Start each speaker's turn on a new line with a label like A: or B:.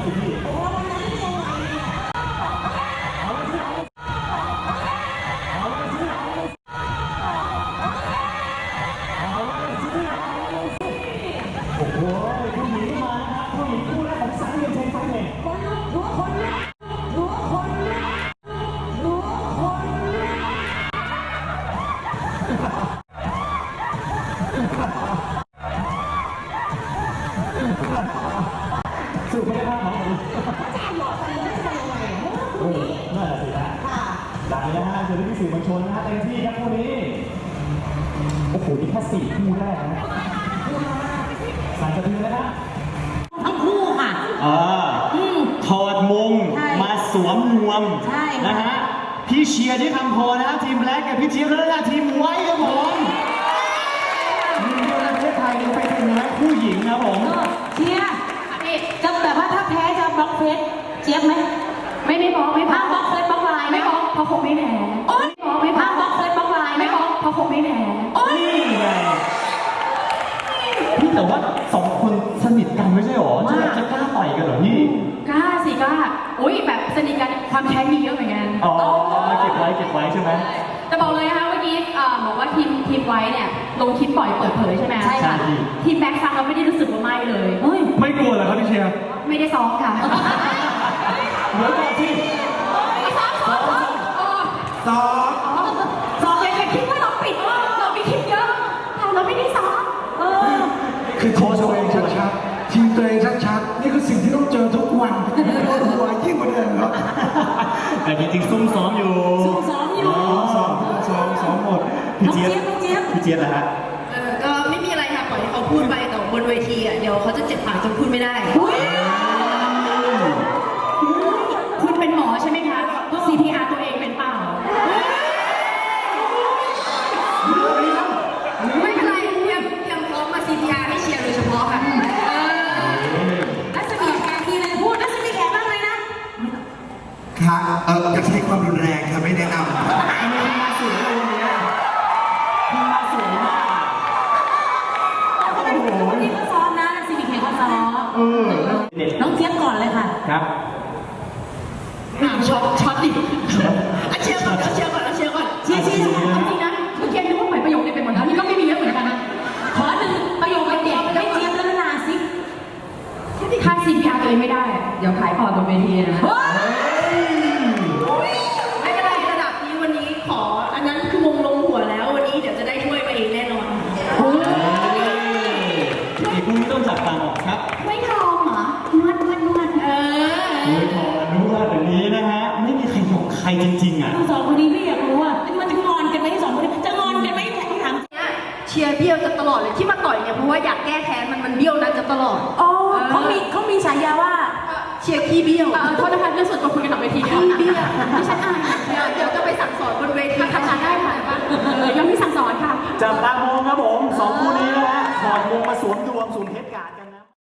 A: สิพี่โอ้โหผู้หญิงมานะครับผู้หญิงคู่แรกของสังเวียนเชงไฟเองคนลุกหัวคนลุกหัวคนลุกหัวคนลุกสู้ไม่ได้ภาพของผมโอ้โหน่าจะสิฮะได้นะฮะเจอที่สื่อมวลชนนะฮะเต็มที่ครับคู่นี้โอ้โหนี่แค่4คู่แรกนะสั่นสะเทือนนะครับ
B: ทั้งคู่ค่ะ
A: ถอดมงมาสวมนวมนะฮะพี่เชียร์ที่คำโพนะครับทีมแบล็กกับพี่เจี๊ยบแล้วนะทีมไว้ครับผมมีเดียวในประเทศไทยไปถึงแม้คู่หญิงนะผม
B: เชียร์จะแบบว่าถ้าแพ้จะบล็อกเฟซเจี๊ยบไหมไม่บล็อกไม่พังบล็อกเฟซบล็อกไลน์ไม่บล็อกเพราะคงไม่แพ้ไม่พังบล็อกเฟซบล็อกไลน์ไม่บล็อกเพราะคงไม่แพ้
A: นี่ไงพี่แต่ว่า2 คนสนิทกันไม่ใช่หรอจะกล้าต่อยกันเหรอพี่
B: กล้าสิกล้าอุ้ยแบบสนิทกันความแค้นมีเยอะเหมือนกัน
A: อ๋อเก็บไว้ใช่ไหม
B: จะบอกเลยนะคะเมื่อกี้บอกว่าทีมไว้เนี่ยลงคลิปปล่อยเปิดเผยใช่ไหมใช่ค่ะทีมแบ็คฟังเราไม่ได้รู้สึกว่าไม่เลย
A: ไม่กลัวเหรอครับพี่เชียร์
B: ไม่ได้ซ้อมค่ะ
A: เดี๋ยวก่อนที่
B: ซ้อมเลยคิดว่าเราปิดเรามีคลิปเยอะเราไม่ได้ซ้อม
C: คือทีมตัวเองชัดๆทีมตัวเองชัดๆนี่คือสิ่งที่ต้องเจอทุกวันปวดหัวยิ่งกว่าเดิมครับ
A: แต่จริงๆซุ่มซ้อมอยู่
C: ซ้อมหมด
A: พี่เจี๊ยบนะฮะ
D: ก็ไม่มีอะไรค่ะปล่อยให้เขาพูดไปแต่บนเวทีอ่ะเดี๋ยวเขาจะเจ็บปากจนพูดไม่ได้
B: คุณเป็นหมอใช่ไหมคะ CPR ตัวเองเป็นเปล่า
D: ไม่เป็นไรเตรียมพร้อมมา CPR ให้เชียร์โดยเฉพาะค่ะ
B: รัศมีแขกทีเลยพูดรัศมีแขกบ้างเลยนะ
C: ค่ะจะใช้ความรุนแรงค่ะไม่แนะนำ
A: มาสวยเลยเนี่ยมาสวยมาก
B: นี่ก็ซ้อมนะรัศมีแขกก็ซ้อมน้องเจี๊ยบก่อนเลยค่ะ
A: ครับ
D: ช็อตดิเชียร์ก่อนเชียร์จริงนะ
B: เมื่อกี้นึกว่าหมายประโยคนี้ไปหมดแล้วนี่ก็ไม่มีเยอะเหมือนกันนะขอ1 ประโยคเด็ดให้เจี๊ยบแล้วนาซิถ้า CPR ตัวเองไม่ได้เดี๋ยวขายพอร์ตบนเวทีนะ
D: ไม่เป็นไรระดับนี้วันนี้ขออันนั้นคือมงลงหัวแล้ววันนี้เดี๋ยวจะได้ถ้วยมาเองแน่นอน
A: อีกคู่นี้ต้องจับตาออกครับ
B: ไม่ทองเหรอนวดไม่ทอง
A: นวดแบบนี้นะฮะไม่มีใครหยอกใครจริงๆอ่ะ
B: 2 คนนี้พี่อยากรู้ว่ามันจะงอนกันไหม2 คนนี้จะงอนกันไหมถาม
D: เชียร์เบี้ยวจะตลอดเลยที่มาต่อยเนี่ยเพราะว่าอยากแก้แค้นมันเบี้ยวนะจะตลอด
B: เขามีฉายาว่า
D: เชียร์ขี้เบี้ยว
B: โทษนะคะเรื่องส่วนตัวคุยกันหลังเวทีเดียว
D: ขี้เบี้ยว
B: ดิฉันอาย
D: เดี๋ยวจะไปสั่งสอนบนเวที
B: ทำงานได้ค่ะยังไม่สั่งสอนค่ะ
A: จับตามองครับผม2 คู่นี้นะฮะถอดมงมาสวมดวงสวมเพชรกาดกันนะ